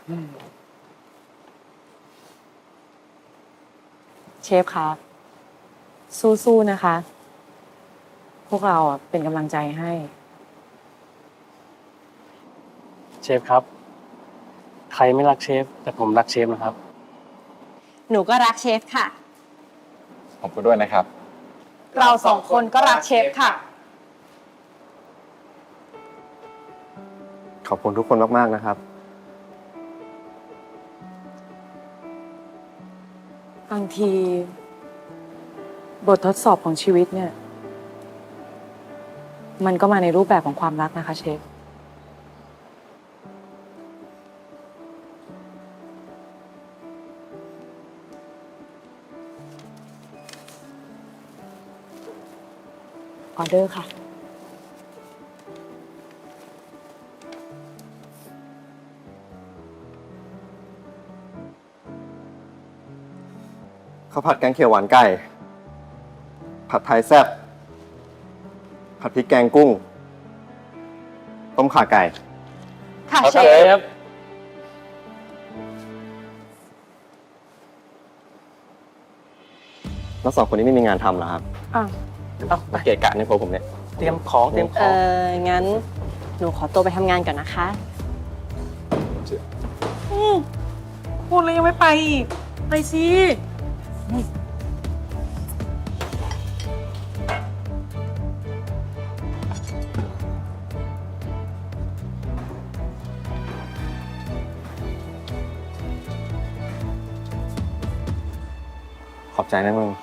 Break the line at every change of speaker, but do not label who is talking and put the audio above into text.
เชฟคะสู้ๆนะคะ พวกเราเป็นกำลังใจให้
เชฟครับ ใครไม่รักเชฟ แต่ผมรักเชฟนะครับ
หนูก็รักเชฟค่ะ
ผมก็ด้วยนะครับ
เราสองคนก็รักเชฟค่ะ
ขอบคุณทุกคนมากๆนะครับ
บางที บททดสอบของชีวิตเนี่ย มันก็มาในรูปแบบของความรักนะคะเชฟ ออเดอร์ค่ะ
ข้าวผัดแกงเขียวหวานไก่ ผัดไทยแซ่บ ผัดพริกแกงกุ้ง ต้มข่าไก่
ค่ะ
ครับ
เช
เช
ฟ
ฟ
แล้วสองคนนี้ไม่มีงานทำเหรอครับ
อ้าว
เอาไป
มาเกะกะในครัวผมเนี่ย
เตรียมของเตรียมของ
งั้นหนูขอตัวไปทำงานก่อนนะคะ
พูดแล้วยังไม่ไปอีก ไปสิ
ขอบใจนะมึง